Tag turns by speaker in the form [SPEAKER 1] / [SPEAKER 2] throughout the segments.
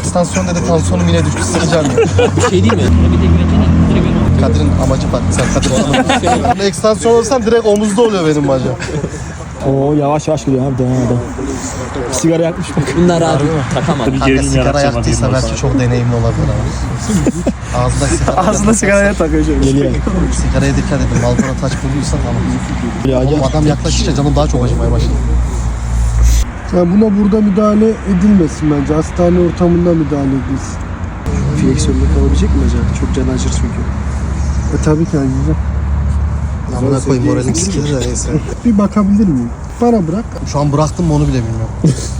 [SPEAKER 1] ekstansiyon dedi, tansiyonum yine düştü, sıkacağım ya.
[SPEAKER 2] Bir şey değil mi?
[SPEAKER 1] Kadir'in amacı farklı, sen Kadir'in ekstansiyon olursam direkt omuzda oluyor benim bacağım.
[SPEAKER 3] Oo yavaş yavaş gidiyor abi, devam adam. Sigara yakmış bak.
[SPEAKER 2] Bunlar abi takamadı.
[SPEAKER 1] Kanka sigara yaktıysa belki çok deneyimli olabilir ama. Ağzında sigaraya takıyor şöyle.
[SPEAKER 3] Geliyor.
[SPEAKER 1] Sigaraya dikkat edin, Marlboro taç koyuyorsan ama. Oğlum adam yaklaşınca canım daha çok acımaya başladı.
[SPEAKER 4] Yani buna burada müdahale edilmesin bence. Hastane ortamında müdahale edilsin.
[SPEAKER 5] Fleksiyonda kalabilecek mi acaba? Çok can acır çünkü.
[SPEAKER 4] Tabii ki güzel.
[SPEAKER 1] Amına koyayım, moralim sikilir de neyse.
[SPEAKER 4] Bir bakabilir miyim? Bana bırak.
[SPEAKER 1] Şu an bıraktım mı onu bile bilmiyorum.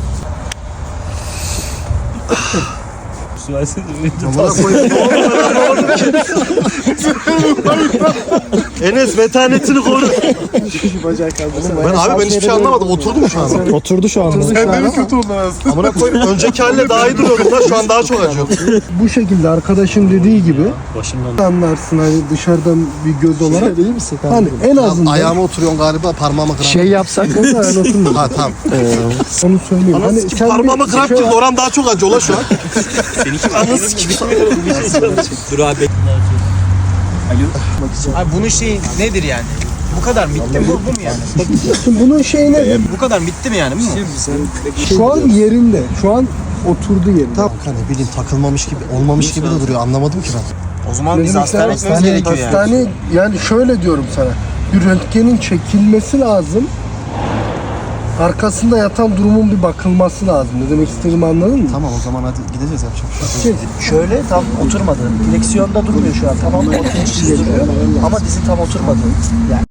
[SPEAKER 1] Amına koyayım. Enes metanetini koru.
[SPEAKER 5] Bacağı kaldırsana.
[SPEAKER 1] Ben hiçbir şey anlamadım. Oturdum şu an.
[SPEAKER 3] Oturdu şu anda.
[SPEAKER 1] Amına koyayım, önceki haline daha iyi duruyordum da şu an daha çok acıyor.
[SPEAKER 4] Bu şekilde arkadaşın dediği gibi anlarsın hani dışarıdan bir göz olarak.
[SPEAKER 5] Değil misin?
[SPEAKER 4] Hani en azından
[SPEAKER 1] Ayağıma oturuyorsun galiba, parmağıma kıran.
[SPEAKER 5] Şey yapsak
[SPEAKER 4] o da yani oturmuyor.
[SPEAKER 1] Ha tamam.
[SPEAKER 4] Onu söyleyeyim. Hani
[SPEAKER 1] Anasını sikip parmağıma kıran girdi, oran daha çok acıyor la şu an.
[SPEAKER 2] Anası sikip. Dur abi.
[SPEAKER 6] Abi bunun şeyi nedir yani? Bu kadar mı bitti mi? Bu mu yani?
[SPEAKER 4] Şimdi bunun şeyi nedir?
[SPEAKER 6] Bu kadar mı bitti mi yani? Bu mu?
[SPEAKER 4] Şu an yerinde. Şu an oturdu yerinde.
[SPEAKER 1] Tamam. Ne bileyim, takılmamış gibi, olmamış gibi de duruyor. Anlamadım ki ben.
[SPEAKER 6] O zaman biz
[SPEAKER 4] Dedim
[SPEAKER 6] hastaneye
[SPEAKER 4] sana,
[SPEAKER 6] gitmemiz gerekiyor yani.
[SPEAKER 4] hastane, yani şöyle diyorum sana. Bir röntgenin çekilmesi lazım. Arkasında yatan durumun bir bakılması lazım. Ne demek istediğimi anladın mı?
[SPEAKER 1] Tamam, o zaman hadi gideceğiz, yapacak bir şey yok.
[SPEAKER 5] şöyle tam oturmadı. Fleksiyonda durmuyor şu an. Tamam oturmuş duruyor ama dizi tam oturmadı. Yani